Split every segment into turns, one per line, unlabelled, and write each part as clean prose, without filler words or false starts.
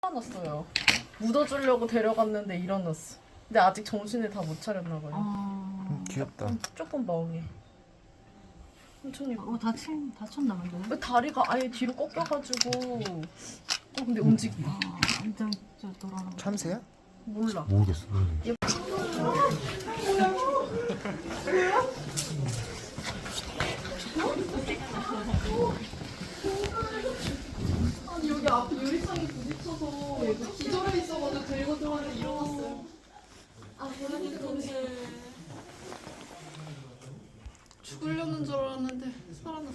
일어났어요. 묻어주려고 데려갔는데 일어났어. 근데 아직 정신을 다 못 차렸나 봐요.
귀엽다.
조금 멍해. 천천히.
다쳤나 본데?
왜 다리가 아예 뒤로 꺾여가지고. 근데 움직여.
완전 돌아가는.
참새야?
몰라.
모르겠어.
아니 여기 앞에 유리창에 부딪혀서 얘가 기절해 있어가지고 들고 들어왔는데 일어났어요. 죽으려는 줄 알았는데 살아났어.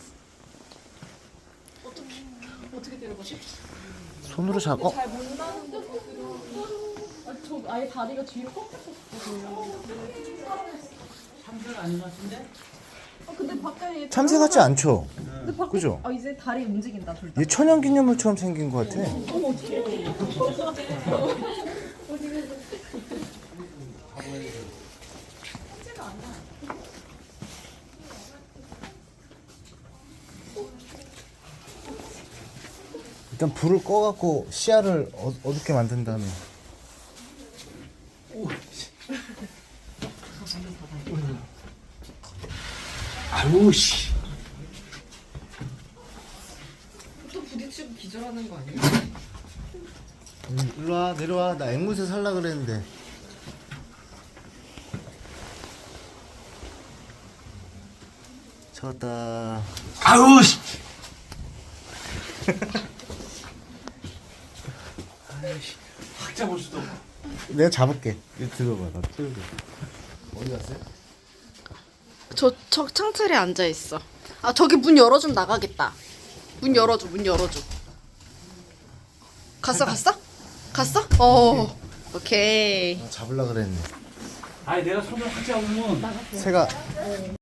어떻게 데려가지?
손으로 잡아.
잘 못 나는데 저 아예 다리가 뒤로 꺾였었거든요.
참새가 아닌 것 같은데?
근데 바깥에
참새 같지 않죠?
근데 밖에
그죠?
이제 다리 움직인다 둘 다.
얘 천연기념물처럼 생긴 것 같아.
어머 어떡해.
일단 불을 꺼갖고 씨알을 어둡게 만든 다음에.
아우 씨.
또 부딪히고 기절하는 거 아니야?
일로와 내려와. 나 앵무새 살라 그랬는데. 잡았다.
아우 씨. 확 잡을 수도 없고.
내가 잡을게. 이거 들어봐. 나 틀게. 어디 갔어요?
저 창틀에 앉아 있어. 아 저기 문 열어주면 나가겠다. 문 열어줘. 갔어? 갔어? 오케이.
잡을라 그랬는데.
아니 내가 손을 확 잡으면
새가